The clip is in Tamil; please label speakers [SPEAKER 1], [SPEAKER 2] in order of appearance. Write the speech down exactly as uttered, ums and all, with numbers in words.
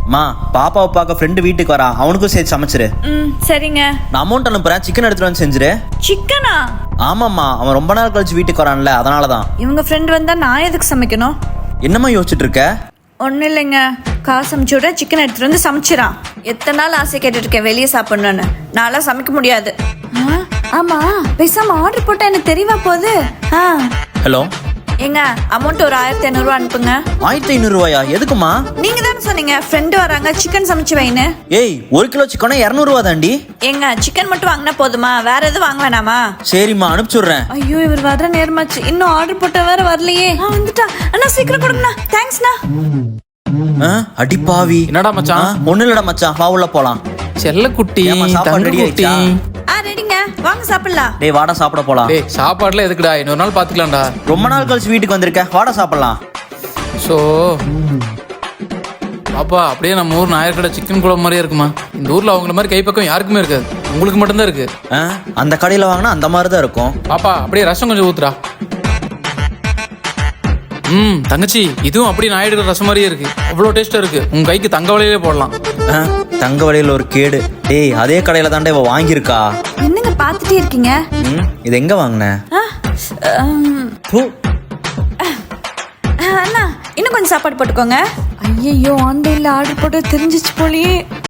[SPEAKER 1] மா பாப்பாவை பார்க்க ஃப்ரெண்டு வீட்டுக்கு வரா, அவனுக்கும் சேர்த்து சமைச்சிரு.
[SPEAKER 2] ம் சரிங்க.
[SPEAKER 1] நான் அமௌண்ட் அனுப்புறேன், சிக்கன் எடுத்துட்டு வந்து செஞ்சிரு.
[SPEAKER 2] சிக்கனா?
[SPEAKER 1] ஆமாம்மா, அவன் ரொம்ப நாள் கழிச்சு வீட்டுக்கு வரான்ல, அதனால தான்.
[SPEAKER 2] இவங்க ஃப்ரெண்ட் வந்தா நான் எதுக்கு சமைக்கணும்?
[SPEAKER 1] என்னம்மா யோசிச்சுட்டு இருக்க?
[SPEAKER 2] ஒன்றும் இல்லைங்க, காசு அமுச்சு விட சிக்கன் எடுத்துட்டு வந்து சமைச்சிடான். எத்தனை நாள் ஆசை கேட்டுட்டு இருக்கேன் வெளியே சாப்பிடணும்னு. நான்லாம் சமைக்க முடியாது. ஆ, ஆமா பேசாம ஆர்டர் போட்டா எனக்கு தெரியவா போகுது. ஆ
[SPEAKER 1] ஹலோ
[SPEAKER 2] ஏங்க, அமௌண்ட் ஒரு ஆயிரத்தி ஐநூறுரூவா அனுப்புங்க.
[SPEAKER 1] ஆயிரத்தி ஐநூறு ரூபாயா? எதுக்குமா?
[SPEAKER 2] நீங்க தானே சொன்னீங்க ஃப்ரெண்டு வராங்க சிக்கன் சமைச்சு வைன்னு.
[SPEAKER 1] ஏய், ஒரு கிலோ சிக்கனா இரநூறுவா தாண்டி.
[SPEAKER 2] ஏங்க, சிக்கன் மட்டும் வாங்கினா போதுமா? வேற எதுவும் வாங்க வேணாமா?
[SPEAKER 1] சரிம்மா, அனுப்பிச்சுடுறேன்.
[SPEAKER 2] ஐயோ, இவர் வர நேரமாச்சு, இன்னும் ஆர்டர் போட்ட வேற வரலையே. ஆ வந்துட்டா. அண்ணா சீக்கிரம் கொடுங்கண்ணா. தேங்க்ஸ்ண்ணா.
[SPEAKER 1] அடி பாவி.
[SPEAKER 3] என்னடா மச்சான்?
[SPEAKER 1] ஒண்ணு இல்லடா மச்சான், வா உள்ள போலாம்.
[SPEAKER 3] செல்ல குட்டி,
[SPEAKER 1] ஏம்மா, சாப்பாடு
[SPEAKER 3] தங்க
[SPEAKER 1] ready
[SPEAKER 3] குட்டி.
[SPEAKER 1] ஆயிடுச்சா?
[SPEAKER 2] ஆ ரெடிங்க, வாங்க சாப்பிடலாம்.
[SPEAKER 1] டேய் வாடா சாப்பிட போலாம்.
[SPEAKER 3] டேய் சாப்பாடுல எதுக்குடா, இன்னொரு நாள் பாத்துக்கலாம்டா.
[SPEAKER 1] ரொம்ப நாள் கழிச்சு வீட்டுக்கு வந்திருக்க, வாடா சாப்பிடலாம்.
[SPEAKER 3] சோ பாப்பா, அப்படியே நம்ம ஊர் நாயர்கடை சிக்கன் குழம்பு மாதிரியே இருக்குமா? இந்த ஊர்ல அவங்கள மாதிரி கைப்பக்கம் யாருக்குமே இருக்காது, உங்களுக்கு மட்டும்தான் இருக்கு.
[SPEAKER 1] ஆ, அந்த கடையில வாங்கினா அந்த மாதிரி தான் இருக்கும்.
[SPEAKER 3] பாப்பா, அப்படியே ரசம் கொஞ்சம் ஊத்துறா. ம் தங்கச்சி, இதுவும் அப்படியே நாயுடு ரசம் மாதிரியே இருக்கு, அவ்வளோ டேஸ்டா இருக்கு. உங்க கைக்கு தங்க வலையிலே போடலாம்.
[SPEAKER 1] ஆ, தங்க வழியில ஒரு கேடு. டேய், அதே கடையில தாண்டே இவ வாங்கியிருக்கா.
[SPEAKER 2] என்னங்க பார்த்துட்டே இருக்கீங்க?
[SPEAKER 1] ம், இது எங்க வாங்கின?
[SPEAKER 2] ஆ, ம், அண்ணா இன்னும் கொஞ்சம் சாப்பாடு போட்டுக்கோங்க. ஐயோ, ஆன்லைன்ல ஆர்டர் போட்டு தெரிஞ்சிச்சு போலியே.